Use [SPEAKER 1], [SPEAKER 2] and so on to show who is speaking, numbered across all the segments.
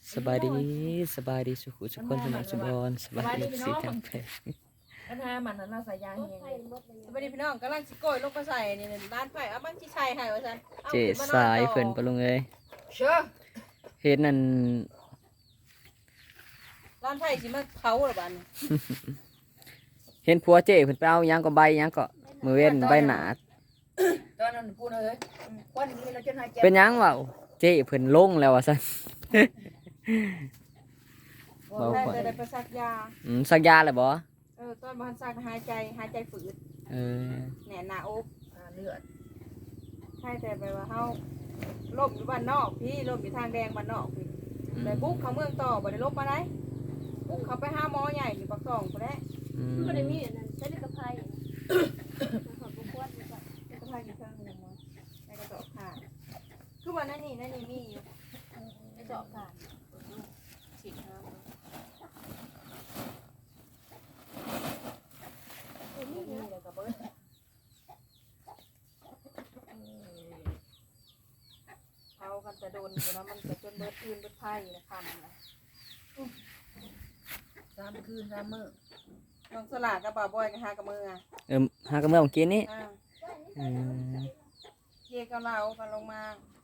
[SPEAKER 1] สบายดีสบายดีสุขุสุขคนสมองสุบอนสบายดีสีทางเพล
[SPEAKER 2] ปัญหามันนั้นเราใส่ยาเฮงเลย
[SPEAKER 3] สวัสดีพี่น้องกำลังสิโกยลงไปใส่นี่ร้านไผ่เอาบ้างที่ชัยให้ว่าซั่นอา
[SPEAKER 1] เจ
[SPEAKER 3] ขึ้นมนอน
[SPEAKER 1] สาย
[SPEAKER 3] ต่อ
[SPEAKER 1] เพิ่นปะลุงเอ้ย
[SPEAKER 2] เชื่อ
[SPEAKER 1] เฮ็ดนั่น
[SPEAKER 3] ร้านไผ่สิมาเผาหรือบ้านนี่
[SPEAKER 1] เห็นผัวเจเพิ่นไปเอาหยังก็ใบหยังก็มือเว้นใบหนา
[SPEAKER 2] ตอนนั้นพูดเลยควันนี้เราจะหายใจ
[SPEAKER 1] เป็นหยังวะเจเพิ่นลงแล้วว่าซั่น เบา
[SPEAKER 3] ได้
[SPEAKER 1] ขวัญ
[SPEAKER 3] แต่ได้ไปซักยา
[SPEAKER 1] สักยาเลยบ่
[SPEAKER 3] ตอนบ้านซักหายใจฝืด
[SPEAKER 1] เออ
[SPEAKER 3] แหน่หน้าอก
[SPEAKER 2] เลือด
[SPEAKER 3] ใช่แต่ไปว่าเฮาล่มอยู่บ้านนอกพี่ล่มอยู่ทางแดงบ้านนอกพี่เลยบุกเขาเมืองต่อบ่ได้ลบมาได้บุกเขาไปหาหมอใหญ่อยู่ปากซองพุ่นแหละ
[SPEAKER 1] อืม
[SPEAKER 4] ก็ได้มีอันนั้นใช้ในกระเพราขอบคุณ
[SPEAKER 3] ก็พาอยู่เครื่องนึงมาในกระสอบผ้าคือว่านั่นนี่มีอยู่
[SPEAKER 4] ไอ้เจาะกาด
[SPEAKER 3] ฉีดน้ำ
[SPEAKER 4] นี่
[SPEAKER 3] นี่
[SPEAKER 4] นะ
[SPEAKER 3] แล้วก็เบิดเอากันแต่โดนอยู่นะมันก็จนเบิดคืนเบิดไผ่นะคำนะ
[SPEAKER 2] 3 คืน 3 มื้อ
[SPEAKER 3] น้องสลากกับบ่าวบอยกับหากับมืออ่ะ
[SPEAKER 1] หากระเมื่อกินนี่ อืม
[SPEAKER 3] เย่กับเรากันลงมา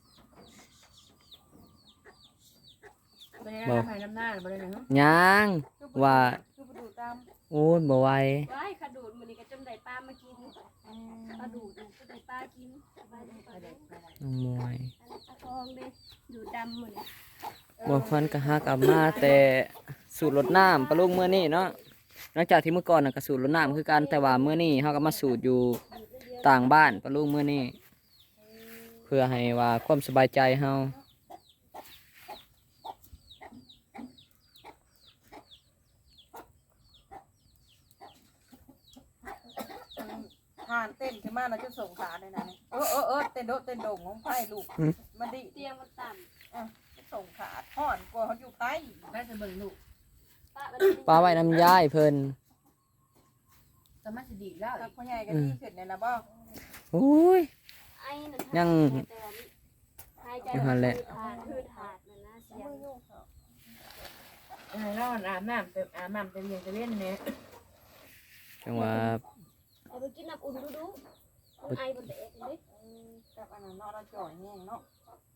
[SPEAKER 2] เป็นยังไงหายน้ำหน้าบ่ได้นะ
[SPEAKER 1] ยัง ว่า
[SPEAKER 3] คือประตูตาม
[SPEAKER 1] โอ้ยบ่ไหว
[SPEAKER 4] ว้ายขดูดมันนี่ก็จำได้ป้ามากินปลาดูดก็ได้ป้ากินสบายดีปลาดูด
[SPEAKER 1] น้องมวย
[SPEAKER 4] อันนี้ปลาทองเลยดูดำหมดเลย
[SPEAKER 1] บ่ควันก็หากลับมาแต่สูตรรดน้ำปะลุงมื้อนี้เนาะหลังจากที่เมื่อก่อนน่ะก็สูตรรดน้ำคือกันแต่ว่ามื้อนี้เฮาก็มาสูตรอยู่ต่างบ้านปะลุงมื้อนี้เพื่อให้ว่าความสบายใจเฮา
[SPEAKER 3] ผ่านเต้นขึ้นมาเราจะส่งขาเลยนะนี่เต้นโดดเต้นโด่งของไผ่ลูกมันดิ
[SPEAKER 4] เตียงมันต่
[SPEAKER 3] ส่งขาท่อนกลัวเขาอยู่ไผ่
[SPEAKER 2] แม่จะเบิ่งลูก
[SPEAKER 4] ำป้ามัน
[SPEAKER 1] ปลาไว้น้ำยายเพิ่น
[SPEAKER 2] สามารถสิดีแล้ว
[SPEAKER 3] ตักพ่อใหญ่กันที่ขึ้นเนี่ยนะบ่
[SPEAKER 1] โอ้ย
[SPEAKER 4] ไอ้นั่น
[SPEAKER 1] ยัง
[SPEAKER 4] หายใจ
[SPEAKER 1] อยู่หั่นแหละ
[SPEAKER 4] คือถาดมันนะเสียง
[SPEAKER 2] ให้เราอาบน้ำไปเรียนจะเล่นเนี่ย
[SPEAKER 1] จังว่า
[SPEAKER 4] เอาไปกินน้ำอุ่นดูไอ้บนเด็กเลย
[SPEAKER 3] กับอันนั้นเนาะเราจ่อยแห้งเนาะ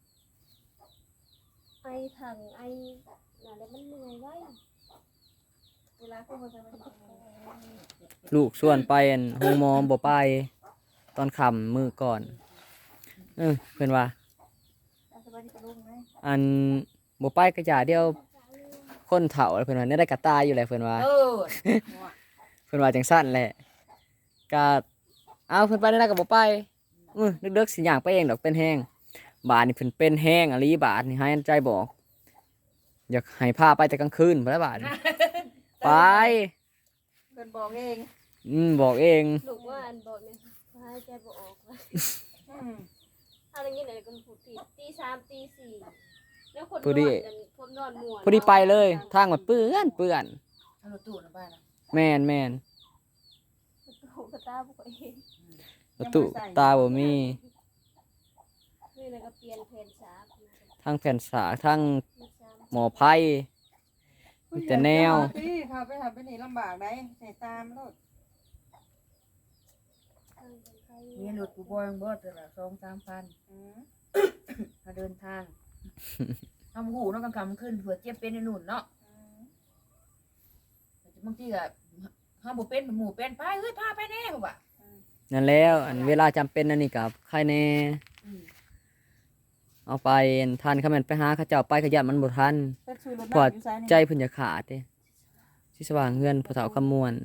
[SPEAKER 4] ไอ้ถังไอ้นั่นแหละมันเหนื่อยไว้
[SPEAKER 3] เวลาพวกมันจะมา
[SPEAKER 1] ลูกส่วนไปอั่นโรงหมอบ่ไปตอนค่ำมื้อก่อนเพิ่นว่า
[SPEAKER 3] สบายดีกับลุงไหม
[SPEAKER 1] อันบ่ไปก็อย่าเดียวคนเฒ่าเพิ่นว่าได้กระตายอยู่แหละเพิ่นว่า เพิ่นว่าจังซั่นแหละก็เอาเพิ่นไปได้ก็บ่ไปดึกๆสิย่างไปเองดอกเป็นแห้งบาดนี่เพิ่นเป็นแห้งอะลีบาดนี่ให้ใจบอกอยากให้พาไปแต่กลางคืนบ่ได้บาดนี่ไป
[SPEAKER 3] เพิ่นบอกเอง
[SPEAKER 1] บอกเอง
[SPEAKER 4] ลูกว่าอันบอกเนี่ยหายใจบ่ออกว่าอะไรเงี้ยไหนก็ผูดตีสามตีสี่แล้วคนนอนกันคนนอนม่วน
[SPEAKER 1] พอดีไปเลยทางมันเปื้อน
[SPEAKER 2] เอารถตู้นะบ้านนะ
[SPEAKER 1] แม่น
[SPEAKER 4] โอ้กระตาบุกเอง
[SPEAKER 1] ประตูตาบ่มี
[SPEAKER 4] นี่แล้วก็เปลี่ยนเพนสา
[SPEAKER 1] ทางแผ่นสากทางหมอไผ่ แต่แนว
[SPEAKER 3] ที่เขาไปหาไปนี่ลำบากได้ใส่ตามรถ
[SPEAKER 2] มีรถกูบอยบ่แต่ละ2-3 พันมาเดินทางทำหูเนาะกลางค่ำขึ้นเผื่อเจ็บเป็นในนู่นเนาะบางทีก็เฮาบ่เป็นหมู่เป็นไปเฮ้ยพาไปแน่บ่ว่า
[SPEAKER 1] นั่นแล้วอันเวลาจำเป็นอันนี้กับใครแน่เอาไปทันเขาแม่นไปหาเขาเจ้าไปขยันมันบ่ทัน
[SPEAKER 3] เป็นชูรถ
[SPEAKER 1] พอ
[SPEAKER 3] น้ำอยู่ซ้ายนี่
[SPEAKER 1] ใจเพิ่นจะขาดเด้สิสว่างเฮือนผู้เฒ่าคำมวล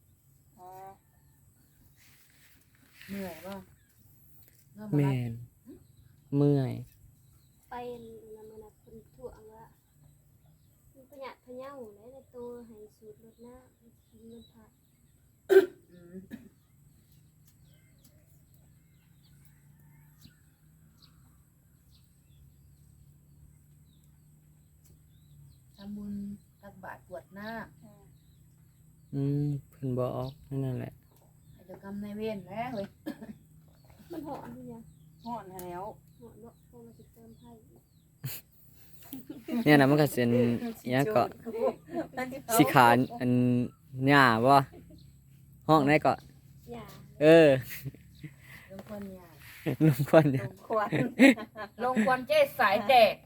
[SPEAKER 2] เหนื่อยบ่
[SPEAKER 1] แม่นเมื่อย
[SPEAKER 4] ไปนำมาคนทั่วว่ามันประหยัดพะเยาเลยในตัวให้สูตรรถหน้ากินมันผัด
[SPEAKER 2] ทำบุญตักบาตรกรวดน้า
[SPEAKER 1] เพิ่นบอกนั่นแหละ
[SPEAKER 2] ให้เจ้ากรรมนายเวรแล้วเว้ย
[SPEAKER 4] มันหอมด้วยเนี่ย
[SPEAKER 3] ห่อนแล้ว
[SPEAKER 4] หอมเนาะพวกเราจะเติมไผ่
[SPEAKER 1] เนี่ยนะมันก็เป็นอิหยังก็สิขาอันหญ้าบ่ห้องไหนก็
[SPEAKER 4] อย่า
[SPEAKER 1] เออ
[SPEAKER 2] ลงควันยา
[SPEAKER 1] ลุงควันเนี่ย
[SPEAKER 3] ควร
[SPEAKER 2] ลงควันเจ๊สายแดก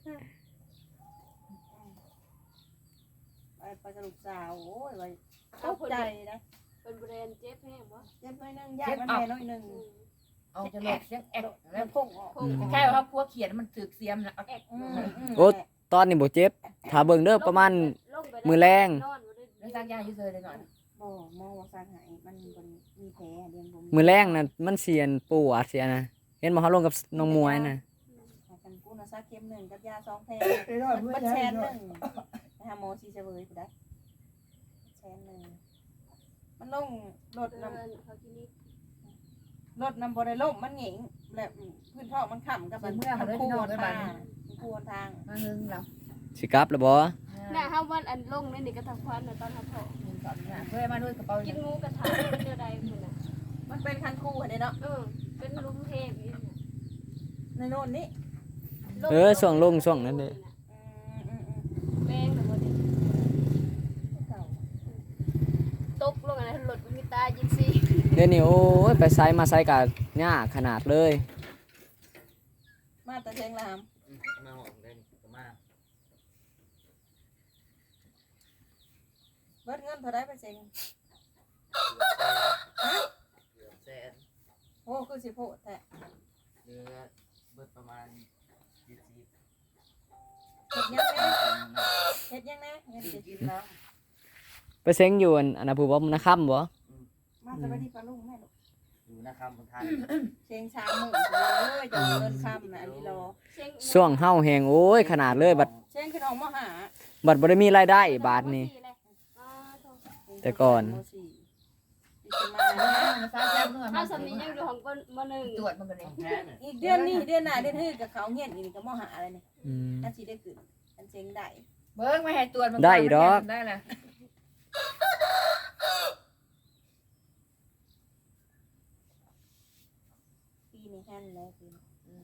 [SPEAKER 3] ไปกับลูกสาวโอ้ยไว้ตกใจนะ
[SPEAKER 4] เป็นแบรนด์เจ็บแห้งบ่
[SPEAKER 3] เจ็บน้อยนึงยากมันแม่น้อยนึง
[SPEAKER 2] เอาจะหลดเสียงแอกแล้ว
[SPEAKER 3] พุ่งออก
[SPEAKER 2] แค่ว่าเขาพัวเขียนมันถึกเสียมแล้ว
[SPEAKER 4] แอก
[SPEAKER 1] โอ้ตอนนี้บ่เจ็บถ้าเบิ่งเด้อประมาณ มือแรง
[SPEAKER 4] นอนบ่ได้
[SPEAKER 2] แล้วสร้างยาอยู่เลยหน่อย
[SPEAKER 3] บ่หมอว่าสร้างหายมันบ่มีแผลเรียนบ่มี
[SPEAKER 1] มือแรงน่ะมันเสียนปวดเสียนะเห็นบ่เฮาลงกับน้องมวยน่ะ
[SPEAKER 3] กันกูน่ะซักเข็ม1กับยา2แผลมันแชน1ไปหาหมอสิเสวยผู้ใดแชน1มันลงรถ
[SPEAKER 4] เดิ
[SPEAKER 3] น้ำ
[SPEAKER 4] นเขาคลินิก
[SPEAKER 3] รถน้ำบ่ได้ล่มมันหงิงแบบพื้นท้องมันค้ำกับมันคู่ทางคู่ทาง
[SPEAKER 2] มาหึงเรา
[SPEAKER 1] สิกลับแล้วบ่
[SPEAKER 4] น่ะเฮาวันอันลงในนี่ก็ทักควันน่ะตอนเฮาพอ
[SPEAKER 2] เพื่อมาด้วยกระเป๋า
[SPEAKER 4] กินหมูกระทะเป็นเดียวใดพุ่นน่ะ
[SPEAKER 3] มันเป็นคันคู่อันนี้เนาะ
[SPEAKER 4] เป็นลุมเทพอีกน่ะ
[SPEAKER 3] ในโน่นนี่
[SPEAKER 1] ช่วงลงช่วงนั้นเด้
[SPEAKER 4] แป้งน่ะบ่ได้
[SPEAKER 3] เก่า
[SPEAKER 4] ตกลงอันนั้นรถมันมีตายิงซี่
[SPEAKER 1] เดี๋ยวนี้โอ้ยไปไสมาไสก็ยากขนาดเลย
[SPEAKER 3] มาแต่เชียงราม
[SPEAKER 1] มาหอมได้ก็มา
[SPEAKER 3] เบิดเงินเท่าไรไปเชียง
[SPEAKER 1] แสน
[SPEAKER 3] โอ้คือสิโพดแท้
[SPEAKER 1] เดือเบิดประมาณ20
[SPEAKER 3] เฮ็ดยังแน่เฮ็ดยังแน่เงินสิกินแล้ว
[SPEAKER 1] ไปเซ็งอยู่อันน่ะผู้บ่นะค่ำบ่
[SPEAKER 3] มาสวัสดีปลาลุงแม่ลูก
[SPEAKER 1] อยู่นะค่ำบนทาง
[SPEAKER 3] เชียงชามมื้อเลยจะเงินค่ำน่ะอันนี้รอ
[SPEAKER 1] ช่วงเฮาแฮงโอ้ยขนาดเลยบัด
[SPEAKER 3] เชียงขึ้นออกมาหา
[SPEAKER 1] บัดบ่ได้มีรายได้บาทนี้ แต่ก่อน
[SPEAKER 3] มสี่สิมาเนี่ย
[SPEAKER 2] มาสร้างแก้วเนื้อ
[SPEAKER 4] เฮาสำนี้ยังอยู่ของมหนึ่ง
[SPEAKER 2] ตรวจมันกันเลย
[SPEAKER 3] อีกเดือนนี้เดือนหน้าเดือนฮื้อกับเขาเฮียนอีกก็มาหาอะไรนี่
[SPEAKER 1] อืม
[SPEAKER 3] อันสิได้ขึ้นอันเชียงได้
[SPEAKER 2] เบิ้งไม่ให้ตรวจมันได้เลย
[SPEAKER 3] ปีนี้แฮนแล้วปีนี้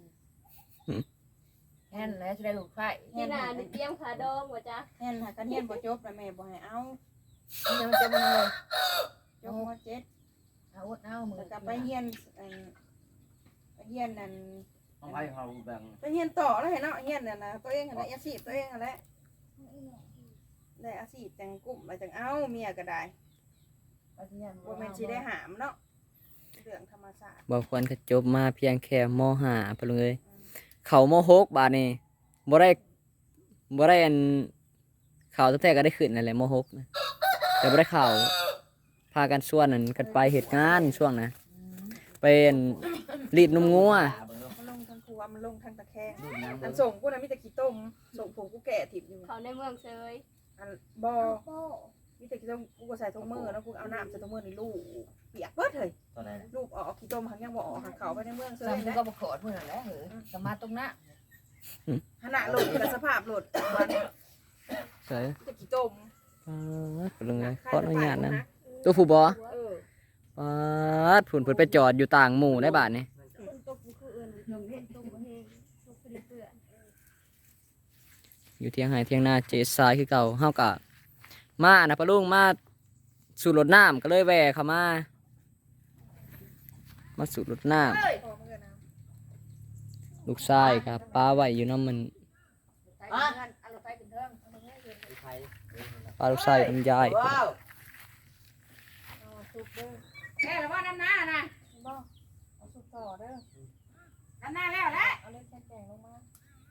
[SPEAKER 2] แค่นั้นจะได้ลูกไฟ
[SPEAKER 4] ที่หน้านี่เตรียมขาดองบ่จ๊ะ
[SPEAKER 3] แฮนหากันเฮียนบ่จบแล้วแม่บ่ให้เอา
[SPEAKER 2] เดี๋ยวมันจะมันเลย
[SPEAKER 3] จบม .7
[SPEAKER 2] เอาเอามือ
[SPEAKER 3] แล้วก็ไปเฮียนไปเฮียนนั่น
[SPEAKER 1] ต้องให้เขาแบ่ง
[SPEAKER 3] ไปเฮียนต่อแล้วเห็นเนาะเฮียนนั่นน่ะตัวเองหั่นน่ะอาชีพตัวเองหั่นแหละได้อาชีพจังกลุ่มไปจังเอาเมียก็ได้บ่แม่นสิได้หามเนาะเรื่องธรรมชาติ
[SPEAKER 1] บ่ควรก็จบมาเพียงแค่ม.5พุ่นเลยเข้าม.6บาดนี้บ่ได้อันเข้าตั้งแต่ก็ได้ขึ้นนั่นแหละม.6นะแต่บ่ได้เข้าพากันส่วนนั้นกันไปเฮ็ดงานช่วงน่ะเป็นรีดนมงัว
[SPEAKER 3] มันลงทั้งครัวมันลงทั้งตะแคงอันส่งกูน่ะมีแต่ขี้ต้มส่งผมกูแก่ถิ่มอยู่
[SPEAKER 4] เขาในเมืองเซย
[SPEAKER 3] อันบ่มีแต่ขี้ต้มกูก็ใส่ถุงมือแล้วกูเอาน้ำใส่ถุงมือนี่ลูกเปียกเบิดเลย
[SPEAKER 1] ตอนไหน
[SPEAKER 3] ลูกออกขี้ต้มหันยังบ่ออกหันเขาไปในเมืองเซย
[SPEAKER 2] ซ้ำกู
[SPEAKER 3] นะ
[SPEAKER 2] ก็ประกอดเมื่อนั้นแหละเหรอสมาตรงนั้น
[SPEAKER 3] ขณะโหลดกับสภาพโหลดวัน
[SPEAKER 1] ใช่
[SPEAKER 3] จะกี่ต้ม
[SPEAKER 1] พุ่นเลยขออนุญาตนะตัวผู้บ่
[SPEAKER 3] เออ
[SPEAKER 1] ปาดพุ่นเพิ่นไปจอดอยู่ต่างหมู่ได้บาดนี้
[SPEAKER 4] คนตกมันคืออื่นตกบ่แห้งตกเป็นเปื้อน
[SPEAKER 1] อยู่เที่ยงไห้เที่ยงนาเจสายคือเก่าเฮาก็มานะปะลุงมาสูบรถน้ำก็เลยแวะเข้ามาสูบรถน้ำ
[SPEAKER 3] พอเมื่อนะ
[SPEAKER 1] ลูกชายครับป้าไว้อยู่น้ำมัน
[SPEAKER 2] เอาไปเป็นเทิง
[SPEAKER 1] ป้าลูกชายเป็นยาย
[SPEAKER 2] ว้าว
[SPEAKER 3] สุกเด้อ
[SPEAKER 2] แค่ว่าน้ำหน้านะ
[SPEAKER 3] บ่เอาสุกต่อเด้อ
[SPEAKER 2] น้ำหน้าแล้วแหละ
[SPEAKER 3] เอาเล็กแกงลงมา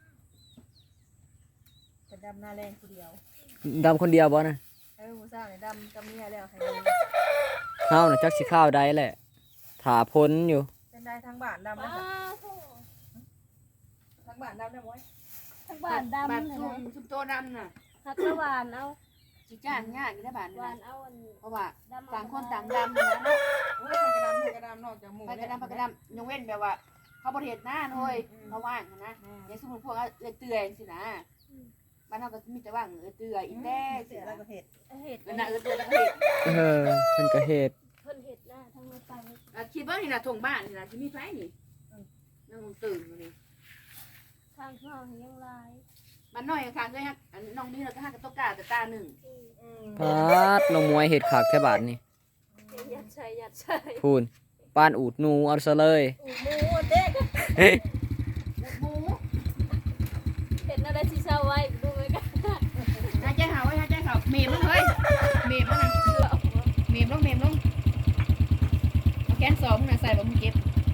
[SPEAKER 3] จะดำหน้าแรงผู้เดียว
[SPEAKER 1] ดำคนเดียวบ่นะ
[SPEAKER 3] ผู้สาวเนี่ยดำกับเมียแล้วให้
[SPEAKER 1] เฮาน่ะจักสิข้าวได้แหละถาพ้นอยู่
[SPEAKER 3] เป็นได้ทั้งบ้านดำ
[SPEAKER 4] ป้า
[SPEAKER 3] นะ
[SPEAKER 4] โธ่
[SPEAKER 3] ทั้งบ้านดำได้บ่
[SPEAKER 4] ทั้งบ้านดำ
[SPEAKER 2] บ้าน
[SPEAKER 4] เลย
[SPEAKER 2] ซุ่
[SPEAKER 4] นะ
[SPEAKER 2] มซุ่มโตดำน่ะ
[SPEAKER 4] ฮักละหวานเอา
[SPEAKER 2] จีจ้างง่ายอยู่ในบ้าน
[SPEAKER 4] หวา
[SPEAKER 2] นะ
[SPEAKER 4] นเอาอัน
[SPEAKER 2] เพราะว่า
[SPEAKER 4] ดำ
[SPEAKER 2] ต่างคนต่างดำนะเนาะ
[SPEAKER 3] โอ้ยกระดำนอกจากหมู
[SPEAKER 2] ไปกระดำไปกระดำยกเว้นแบบว่า เขาบริเหตุหน้าเลยเขาว่างนะอย่างสมมติพวกเลยเตือนสินะบ้านเราก็มีแต่ว่างเตือนอีแต้
[SPEAKER 3] เสียแล้วก็เห็ด
[SPEAKER 4] เห็ด
[SPEAKER 2] เป็นน่ะเตือนแล้วก็เห็ด
[SPEAKER 1] เพิ่นก็เฮ็ด
[SPEAKER 4] เพิ่นเห็ดหน้าทั้งรถไฟ
[SPEAKER 2] คิดว่านี่นะทงบ้านนี่นะที่มีไฟนี่นั่งตื่นนี่
[SPEAKER 4] ทางเข้ายังลาย
[SPEAKER 2] บ้มันน้อยค่ะเคยฮักน้องนี่เราก็ฮักกับตกกาแต่ตาหนึ่ง
[SPEAKER 1] พาดน้องมวยเห็ดขากแค่บาทนี่
[SPEAKER 4] ยัดใช่
[SPEAKER 1] พูนปานอูดหนูเอาซะเลย
[SPEAKER 4] หมูเด็ก
[SPEAKER 2] หมู
[SPEAKER 4] เห็นอะไรที่เศร้าไว้ดูไหมกัน
[SPEAKER 2] หายใจหาไว้หายใจเขาเมมลงเฮ้ยเมมลงนะเมมลงเอาแกนสองมึงนะใส่บ่มึงเก็บ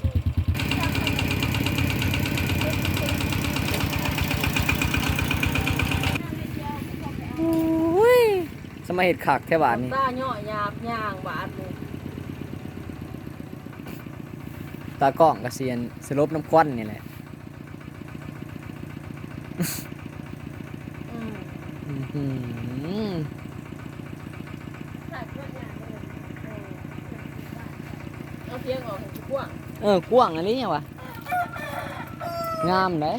[SPEAKER 1] สมัยเห็ดขากแค่บาทนี่
[SPEAKER 3] ตาย่อยาบย่างบาดเลย
[SPEAKER 1] ตากล้องกระเซียนสลบน้ำควันนี่แหละ อื้อหือ
[SPEAKER 3] เอาเพียงออกให้กว้าง
[SPEAKER 1] กว้างอันนี้ยังวะงามเลย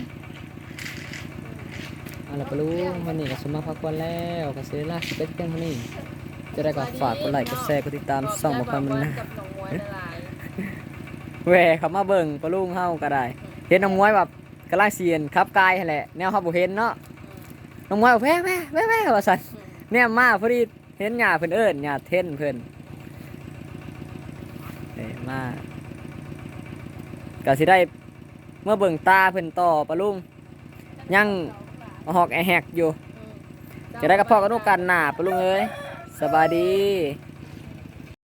[SPEAKER 1] เอาล่ะปะลุงวันนี้ก็สมมาพักวันแล้วก็เสียละเป็นเพียงเท่านี้จะได้ก็ฝากกดไลค์กดแชร์กดติดตามส่องบ่ค่อยมันนะ
[SPEAKER 3] กับน้องมวยละลาย
[SPEAKER 1] แหวเขามาเบิ่งปะลุงเฮาก็ได้ เห็นน้องมวยแบบกำลังเสียนครับกายหั่นแหละแนวเฮาบ่เห็นเนาะน้องมวยบอกแว่ว่าซั่นเนี่ยมาพอดีเห็นหญ้าเพิ่นเอิ้นหญ้าเท่นเพิ่นมาก็สิได้เมื่อเบิ่งตาเพิ่นต่อปะลุงยังเอาหอกแอแฮกอยู่จะได้กับพ่อกับลูกกันหน้าปะลุงเอ้ยสบายดี